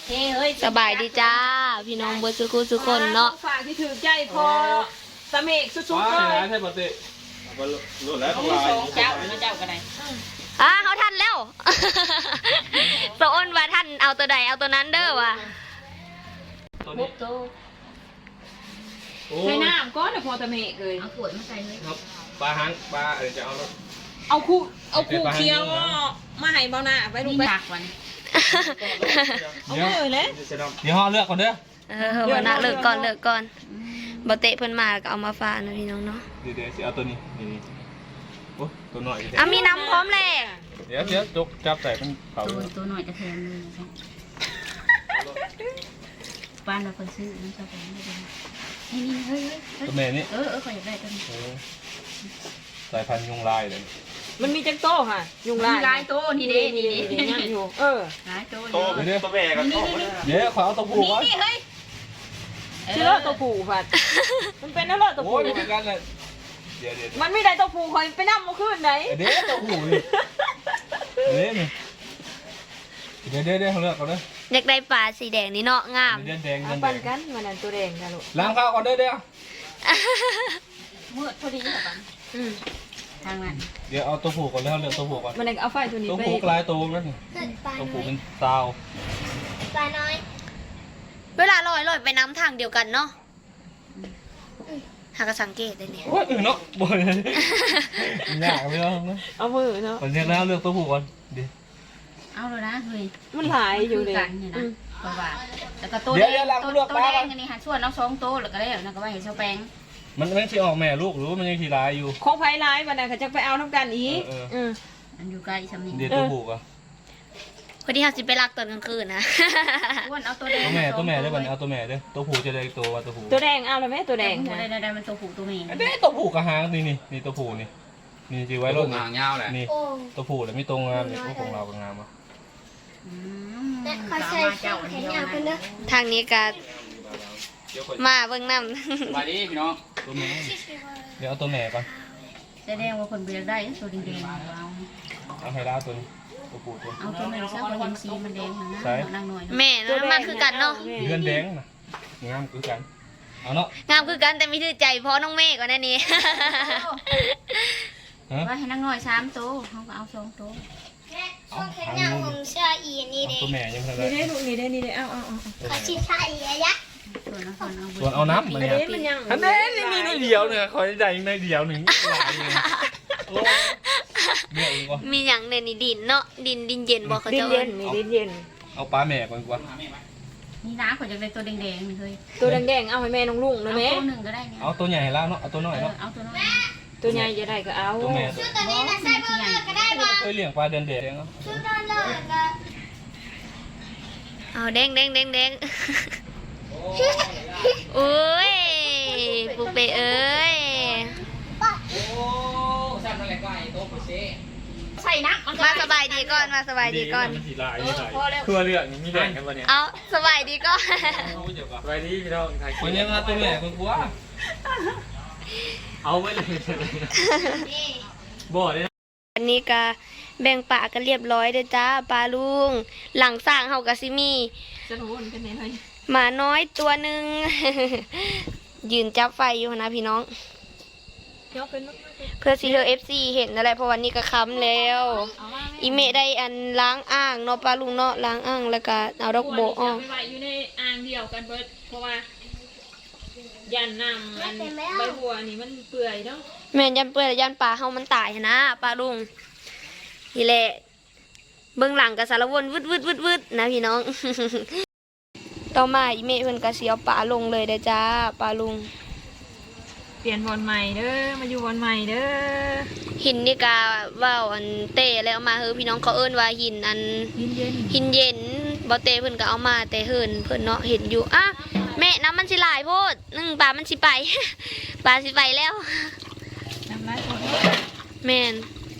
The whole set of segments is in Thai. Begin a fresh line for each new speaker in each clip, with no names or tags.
สบายดีจ้าพี่น้องเบอร์สุขุสุคนเนาะ
ฝากที่ถือใจพอตะเมกสุดๆเลย
ใช่ปกติรุ่นแล้วของเรา
เจ้าเจ้ากันไหน
เขาทันแล้วโซนว่าท่านเอาตัวใดเอาตัวนั้นเด้อว่ะ
ตัวนี้
ใช้น้ำก้อนเดี๋ยวพอตะเมกเลย
เอาขวดมาใส่เลย
ครับปลาหางปลาจะเอาแล้ว
เอาคู่เคี้ยวมาให้เบาหน้าไปลูกไปเอาเลยเลย
เดี๋ยวห่อเลือกก่อนเด้อ
เบาหน้าเลิกก่อนบเตะเพิ่นมาก็เอามาฝากนะพี่น้องเนาะ
เดี๋ยวสิเอาตัวนี้นี่โอ้ตัวหน่อย
มีน้ำพร้อมเลย
เดี๋ยวจกจับใส่เป็นเผา
ตัวหน่อยจะแทนเลยบ้านเราคนซื้อน้ำชาแฟไม่ได้นี่เฮ้ย
ตัวแม่นี่
ขออยากได้ตัวนี้
สายพันธุ์ยุงลายเลย
มันมีจังโต้ค่ะยุงลาย
โต้นี่เด้นี่
ยังอยู่
ลายโต้
ตัวแม่กันเดี๋ยวขอเอาตัวผู้ก่อน
นี่เฮ้ย
เชื่อตัวผู้ผัดมันเป็นอะไรตัวผู้
เหมือนกันเลยเดี๋ยว
มันไม่ได้ตัวผู้คอยไปนั่งมาขึ้นไหน
เดี๋ยวตัวผู้นี่เดี๋ยวเขาเลือกก่อนเด้อ
อยากได้ปลาสีแดงนี่เนาะงาม
แดง
ปั่นกันมันนั่นตัวแดงนะลูก
ล้างข้าวก่อนเด้อ
มืดพอดีค่ะปันทางนั้น
เดี๋ยวเอาตัวผูกก่อนแล้วเลือกตัวผูกก่อน
มันเอาไฟตัวนี้
ตัวผูกลายตัวนั่นตัวผูกเป็นซาว
ปลาน้อยเวลาลอยไปน้ำทางเดียวกันเนาะหากสังเกตได้เนี่ย
โอ้ยเนาะบ่อยยากไปแล้วนะ
เอามือเนาะ
คนเรียกแล้วเลือกตัวผูกก่อนดิ
เอาเลยนะเฮ้ย
มันหลายอยู่เลย
เพราะว่าแล้วก็ตัวแดงนี่ค่ะส่วนน้อง2โตแล้วก็ได้แล้วก็ไว้ให้เชาแป้ง
มันไม่ใช่ออกแม่ลูกหรือมันยังทีลายอยู่
ของไผ่ลายมันน่ะเขาจะไปเอาน้ำกันอีก
อันอยู่ใกล้ชำนิ
เดี๋ยวตัวผูกอ่ะ
พอดีเขาสิไปลักตอนกลางคืนนะ
เอาตัวแดง
ตัวแม่ได้บันเอาตัวแม่ได้ตัวผูกจะได้ตัวว่าตัวผูก
ตัวแดงเอาเลยไหมตัวแดง
ได้มันตัวผูกตัวแม่
ได้ตัวผูกกระหางนี่ตัวผูกนี่จีไว้รถ
หางยาวแหละ
นี่ตัวผูกแล้วไม่ตรงงามนี่พวกของเราเป็นงามอ่ะ
ขอใส่แขนยาวกันเด้อทางนี้ก็มาเบิ่งน้
ำมาดิพี่น้อง
ตัวแม่เดี๋ยวเอาตัวแม่ก่อน
แสดงว่าคนเบียร์ได้ตัวแดง
เอาให้ล่าตัวนี้ตัวผูกตัว
เอาตัวแม่ซะเพราะเห็นสีมันแดงนะนางหน่อย
แม่นะมันคือกันเนาะ
เลือนแดงนะงามคือกันเอาเนาะ
งามคือกันแต่ไม่ถือใจเพราะน้องเมฆก่อนนั่นนี่
ว่าให้นางหน่อย3โตเขาก็เอา2โต
ช่วงแขนยาวผมเชื่ออีนี่เด้
ตัวแม่ยังไง
นี่ได้ลูกนี่ได้เอา
ขอชิชาอีอะ
ส่วนเอาน้ำมาเนี่ยอันนี้ในเดียวเนี่ยคอยใจในเดียวหนึ่ง
มีอย่างในนี่ดินเนาะดินเย็นบอกเขาจะ
ดินเย็น
เอาปลาแม่ก่อนกว่า
นี่นะขอจะได้ตัวแดงๆนี่เลย
ตัวแดงเอาให้แม่น้องลุงนะแม่
ตัวหนึ่งก็ได้
เอาตัวใหญ่แล้วเนาะเอาตัวน้อยเนาะ
เอาตัวน้อย
ตัวใหญ่จะได้ก็เอา
ตัวแม่
ตัวนี้นะใส่เบอร์ก็ได้บ่
เคยเลี้ยงปลาเด่นเนาะ
เอาแดงอุ้ยปุ๊เปเอ้ย
ใส่นัก
มาสบายดีก่อนมาสบายดีก่อน
คือเรื่องมีแดงกันวะเนี่ย
เอาสบายดีก่อน
สบายดีพี่น้องคนยังมาตัวแม่คนกลัวเอาไว้เลยบ่เลย
อันนี้ก็แบ่งปลากันเรียบร้อยเด้อจ้าปลาลุงหลังสร้างเฮากะซิมีหมาน้อยตัวหนึ่งยืนจับไฟอยู่นะพี่น้องเพื่อซีเธอFC เห็นอะไรเพราะวันนี้ก็ค้ำแล้วอีเมได้อันล้างอ่างเนาะปลาลุงเนาะล้างอ่างแล้วก็เอาดอกโบออก
ไปอยู่ในอ่างเดียวกันเบิดเพราะว่ายันน้ำมันใบบัวนี่มันเปื่อยเนาะ
แม่นยันเปื่อยยันปลาเฮามันตายนะปลาลุงนี่แหละเบื้องหลังกับสารวนวืดนะพี่น้องต่อมาอีเมเพิ่นก็สิเอาปลาลงเลยเด้อจ้าปลาลุง
เปลี่ยนบอลใหม่เด้อมาอยู่บอลใหม่เด้อ
หินนี่กาว่าวอันเตะแล้วมาพี่น้องเขาเอิ้นว่าหินอันหินเย็นบ่เตะเพิ่นก็เอามาแต่เฮินเพิ่นเนาะเห็นอยู่อ่ะแม่น้ำมันสิหลายโพดปลามันสิไปปลาสิไปแล้ว
น้ำลายโพด
แม่น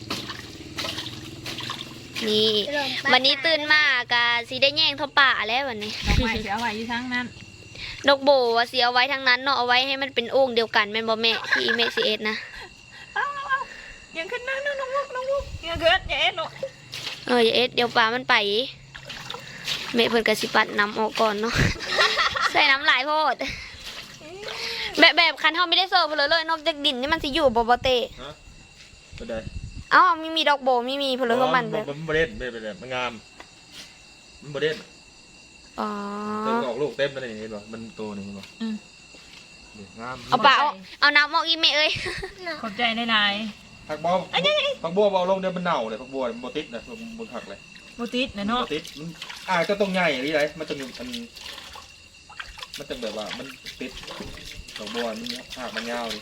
นี่วันนี้ตื่นมากะสิได้แย่งเท่าป่าแล้ววันนี้
ดอกไม้เสียไว้อยู่ทั้งนั้น
ดอกโบว่าเสียไว้ทั้งนั้นเนาะเอาไว้ให้มันเป็นโอ่งเดียวกันแม่นบ่แม่ที่แม่สิเอ็ดนะ
ยังขึ้นนั่งน้องลูกยังเกิดอย่าเอ็ดลูก
อย่าเอ็ดเดี๋ยวป่ามันไปแม่เพิ่นก็สิปัดน้ำออกก่อนเนาะ ใส่น้ำหลายโพดแบบคันเฮาไม่ได้เสิร์ฟเลยนอกจากดินนี่มันสิอยู่บ่เตะ
ฮะก็ได้
เอ้ามีดอกโบมีเพนเลยของมันแบบ
มันบ่เด่นไม่เป็นไรมันงามมันบ่เด่น
อ๋อ
ตัวออกลูกเต็มแล้วนี่เห็นบ่มันโตนี่เห็นบ่งาม
เอาปะเอาน้ำออกอีเมเอ้ย
ขอบใจในนาย
ผักบัวเอาลงเดี๋ยวมันเน่าเลยผักบัวมันบ่ติดนะบนผักเลย
โบติสนะเนาะ
บ่ติดมันก็ต้องใหญ่นี่ไรมันจะมีมันจะแบบว่ามันติดผักบัวมันหักมันยาวเลย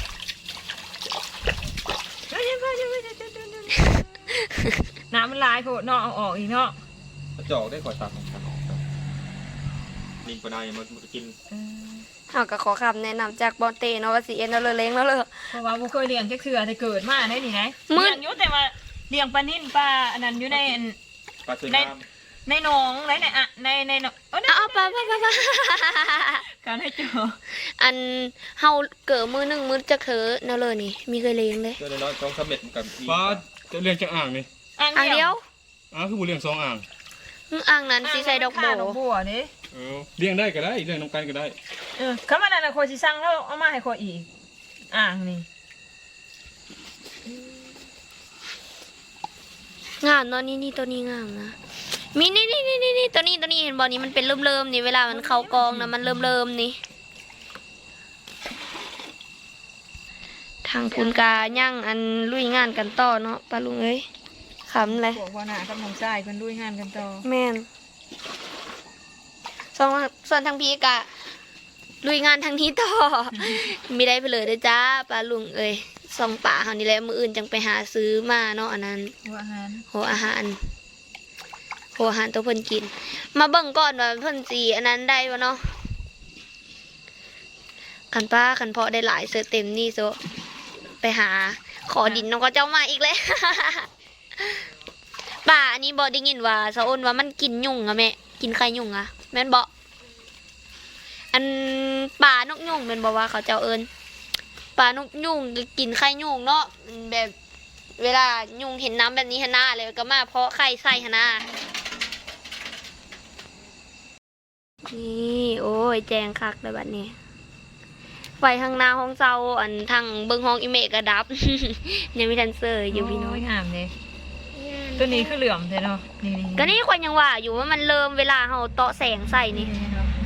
น้ำมันลายโผล่เนาะเอาออกอีกเนาะ
กระจอกได้ก่อยตักลิงปลาในมันจะกิน
เอาก็ขอคำแนะนำจากบอลเตเนาะว่าสิเอ็นเอาเลยเล้งแล้วเลย
เพราะว่าบ่เคยเลี้ยงจักเทื่อแต่เกิดมาได้นี่ไง
มื้อ
เลี้ยงอยู่แต่ว่าเลี้ยงปลานิ่นปลาอันนั้นอยู่ใน
ปลาสวยงาม
ในหนองในหนอง
เอาไป
การให้เจอ
อันเฮาเกิดมือหนึ่งมือจะเถอะเนาะเลยนี่มีเคยเลี้ยงเลย
เจ้าน้อยต้องสำเร็จกันปลาจะเลี้ยงจากอ่างนี่
อ่าง
อ่าง
เดี
เดี
ย
ยว ว
คือบุเลี้ยง2อ่าง
อ่างนั้นสิใส่ดอกโบ
ดอกบัวนี่
เลี้ยงได้ก็ได้เลี้ยงน้ำกันก็ได้
คำว่านั้นน่ะโคสิสั่งแล้วเอามาให้โคอีกอ่างนี่
งามเนาะนี่ตัวนี้งามนะมีนี่ตัวนี้เห็นบอลนี้มันเป็นเริ่มนี่เวลามันเข้ากองนะมันเริ่มนี่ทางคุณกาย่างอันลุยงานกันต่อเนาะปลาลุงเอ้ยขำเลย
พวกว่าหน้ากับน้องชายเพิ่นลุยงานกันต่อ
แม่นส่วนทางพี่กะลุยงานทางนี้ต่อ ไม่ได้ไปเลยเด้อจ้าปลาลุงเอ้ยส่องป่าเฮานี่แหละมื้ออื่นจังไปหาซื้อมาเนาะอันนั้น
หัวอาหาร
โหอาหารตัวเพิ่นกิน มาเบิ่งก่อนว่าเพิ่นสิอันนั้นได้บ่เนาะคันเพาะได้หลายเสือเต็มนี่โซไปหาขอดินน้องก็เจ้ามาอีกแล้ว ป่าอันนี้บ่ได้ยินว่าสะอ้นว่ามันกินยุงอะแม่กินไข่ยุงอะแม่นบ่อันป่านกยุงแม่นบ่ว่าเขาเจ้าเอิ้นป่านกยุงกินไข่ยุงเนาะแบบเวลายุงเห็นน้ำแบบนี้หน้าเลยก็มาเพาะไข่ใส่หน้านี่โอ้ยแจงคักเลยบัดนี้ไฟทางหน้าห้องเซาอันทางเบิ่งห้องอีเมกก็ดับ ยังมีทันเซอร์อยู่พี่น้อง
โงามเลยตัวนี้คือเหลื่อมเลยเนาะนี่
ก็นี่คนยังว่าอยู่ว่ามันเริ่มเวลาเฮาเตาะแสงใส่นี่
เนาะ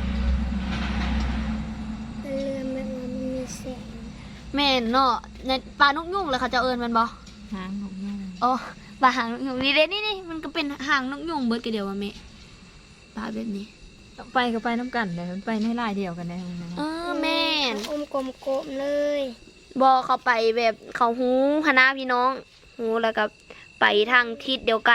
มันเรือมันมีแสง
แม่นเนาะในปลานกยุงเลยเขาจะเอิ้นมันบ่
หางนกยูง
อ๋อปลาหางนกยุงนี่เด้นี่มันก็เป็นหางนกยุงเบิดก็เดียวว่าแม่ปลาแบบนี้
ไปก็ไปน้ำกันเลยมันไปในลายเดียวกันได้นะ
แม่น
อมกลมๆเลย
บอเขาไปแบบเขาหูคณะพี่น้องหูแล้วก็ไปทางทิศเดียวกัน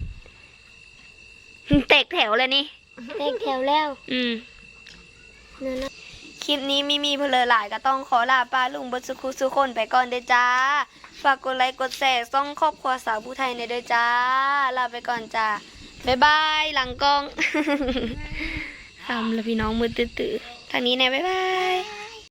แตกแถวเลยนี่
แตกแถวแล้ว นั่นนะ
คลิปนี้มีเพลอหลายก็ต้องขอลาป้าลุงเบดสุขุสุคนไปก่อนเด้อจ้า ฝากกดไลค์กดแชร์ซ่องครอบครัวสาวผู้ไทยในเด้อจ้า ลาไปก่อนจ้า บ๊ายบายหลังกล้อง ทำแล้วพี่น้องมือตื้อๆทางนี้แน่บ๊ายบาย